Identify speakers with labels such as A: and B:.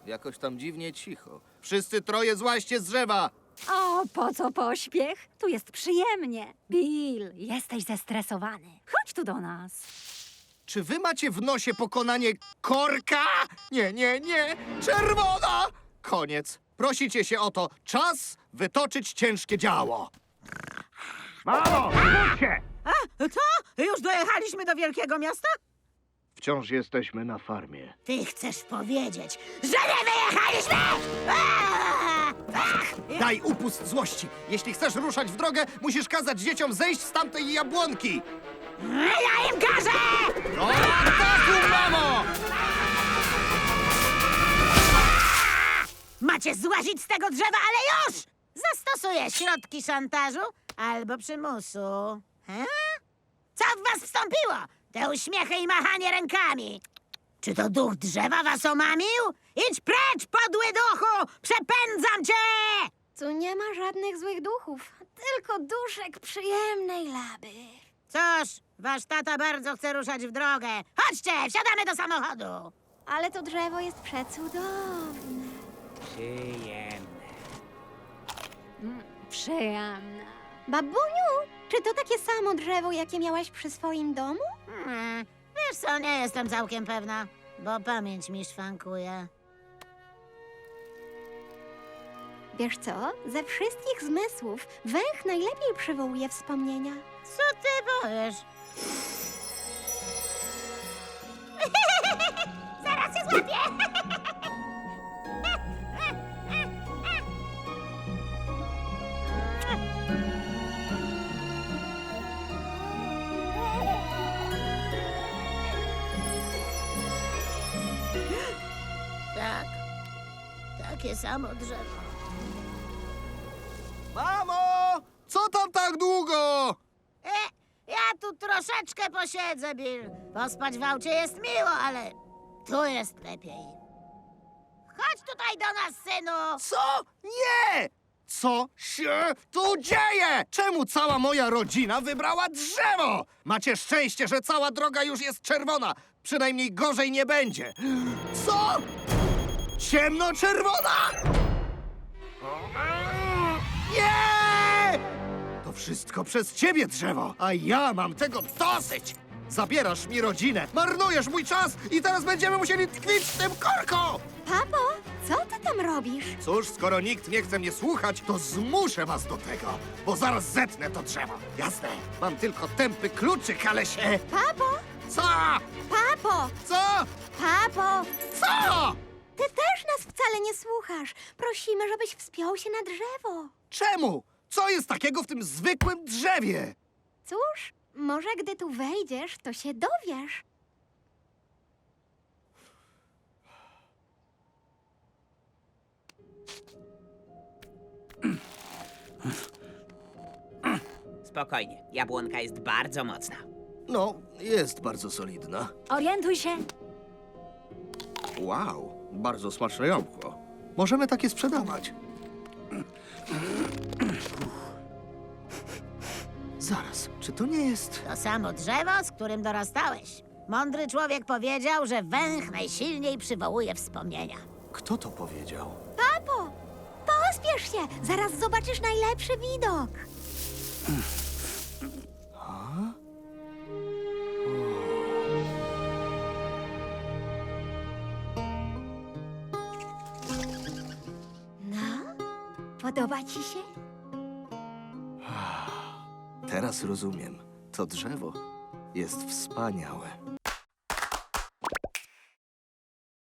A: Jakoś tam dziwnie cicho. Wszyscy troje złaźcie z drzewa!
B: O, po co pośpiech? Tu jest przyjemnie. Bill, jesteś zestresowany. Chodź tu do nas.
A: Czy wy macie w nosie pokonanie korka? Nie, nie, nie! Czerwona! Koniec. Prosicie się o to. Czas wytoczyć ciężkie działo. Mamo, wróćcie!
C: Co? Już dojechaliśmy do wielkiego miasta?
A: Wciąż jesteśmy na farmie.
C: Ty chcesz powiedzieć, że nie wyjechaliśmy?
A: Daj upust złości. Jeśli chcesz ruszać w drogę, musisz kazać dzieciom zejść z tamtej jabłonki.
C: Ja im każę!
A: O, ataku, mamo!
C: Macie złazić z tego drzewa, ale już! Zastosuję środki szantażu albo przymusu. Co w was wstąpiło? Te uśmiechy i machanie rękami. Czy to duch drzewa was omamił? Idź precz, podły duchu! Przepędzam cię!
B: Tu nie ma żadnych złych duchów, tylko duszek przyjemnej laby.
C: Cóż, wasz tata bardzo chce ruszać w drogę. Chodźcie, wsiadamy do samochodu.
B: Ale to drzewo jest przecudowne. Przyjemne. Babuniu, czy to takie samo drzewo, jakie miałaś przy swoim domu?
C: Wiesz co, nie jestem całkiem pewna, bo pamięć mi szwankuje.
B: Wiesz co? Ze wszystkich zmysłów węch najlepiej przywołuje wspomnienia.
C: Co ty powiesz? Zaraz się złapię! Tak, takie samo drzewo.
A: Mamo! Co tam tak długo?
C: Ja tu troszeczkę posiedzę, Bill. Pospać w aucie jest miło, ale tu jest lepiej. Chodź tutaj do nas, synu!
A: Co? Nie! Co się tu dzieje? Czemu cała moja rodzina wybrała drzewo? Macie szczęście, że cała droga już jest czerwona. Przynajmniej gorzej nie będzie. Co? Ciemnoczerwona? Nie! To wszystko przez ciebie, drzewo, a ja mam tego dosyć. Zabierasz mi rodzinę, marnujesz mój czas i teraz będziemy musieli tkwić w tym korku!
B: Papo, co ty tam robisz?
A: Cóż, skoro nikt nie chce mnie słuchać, to zmuszę was do tego, bo zaraz zetnę to drzewo. Jasne, mam tylko tępy kluczyk, ale się...
B: Papo,
A: Co?
B: papo,
A: Co?
B: papo!
A: Co?
B: Ty też nas wcale nie słuchasz. Prosimy, żebyś wspiął się na drzewo.
A: Czemu? Co jest takiego w tym zwykłym drzewie?
B: Cóż, może gdy tu wejdziesz, to się dowiesz.
D: Spokojnie, jabłonka jest bardzo mocna.
A: No, jest bardzo solidna.
B: Orientuj się.
A: Wow, bardzo smaczne jabłko. Możemy takie sprzedawać. Zaraz, czy to nie jest...
C: To samo drzewo, z którym dorastałeś. Mądry człowiek powiedział, że węch najsilniej przywołuje wspomnienia.
A: Kto to powiedział?
B: Papo, pospiesz się. Zaraz zobaczysz najlepszy widok. No, podoba ci się?
A: Teraz rozumiem. To drzewo jest wspaniałe.